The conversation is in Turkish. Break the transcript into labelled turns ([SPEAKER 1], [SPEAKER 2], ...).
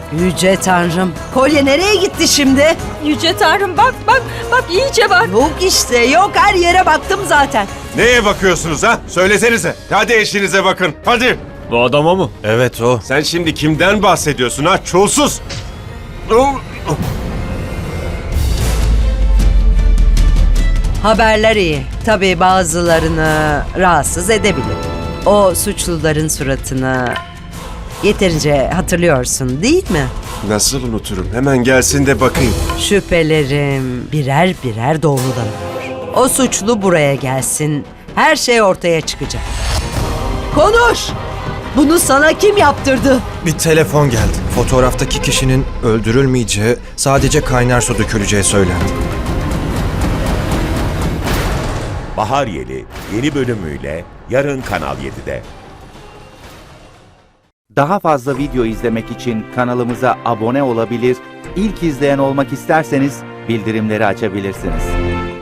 [SPEAKER 1] Yüce Tanrım. Kolye nereye gitti şimdi?
[SPEAKER 2] Yüce Tanrım bak iyice bak.
[SPEAKER 1] Yok işte yok, her yere baktım zaten.
[SPEAKER 3] Neye bakıyorsunuz ha? Söylesenize. Hadi eşinize bakın. Hadi.
[SPEAKER 4] Bu adama mı?
[SPEAKER 5] Evet o.
[SPEAKER 3] Sen şimdi kimden bahsediyorsun ha? Çulsuz.
[SPEAKER 1] Haberler iyi. Tabii bazılarını rahatsız edebilir. O suçluların suratını yeterince hatırlıyorsun değil mi?
[SPEAKER 3] Nasıl unuturum? Hemen gelsin de bakayım.
[SPEAKER 1] Şüphelerim birer birer doğrulanıyor. O suçlu buraya gelsin. Her şey ortaya çıkacak. Konuş! Bunu sana kim yaptırdı?
[SPEAKER 5] Bir telefon geldi. Fotoğraftaki kişinin öldürülmeyeceği, sadece kaynar su döküleceği söylendi.
[SPEAKER 6] Bahar Yeli yeni bölümüyle yarın Kanal 7'de.
[SPEAKER 7] Daha fazla video izlemek için kanalımıza abone olabilir, ilk izleyen olmak isterseniz bildirimleri açabilirsiniz.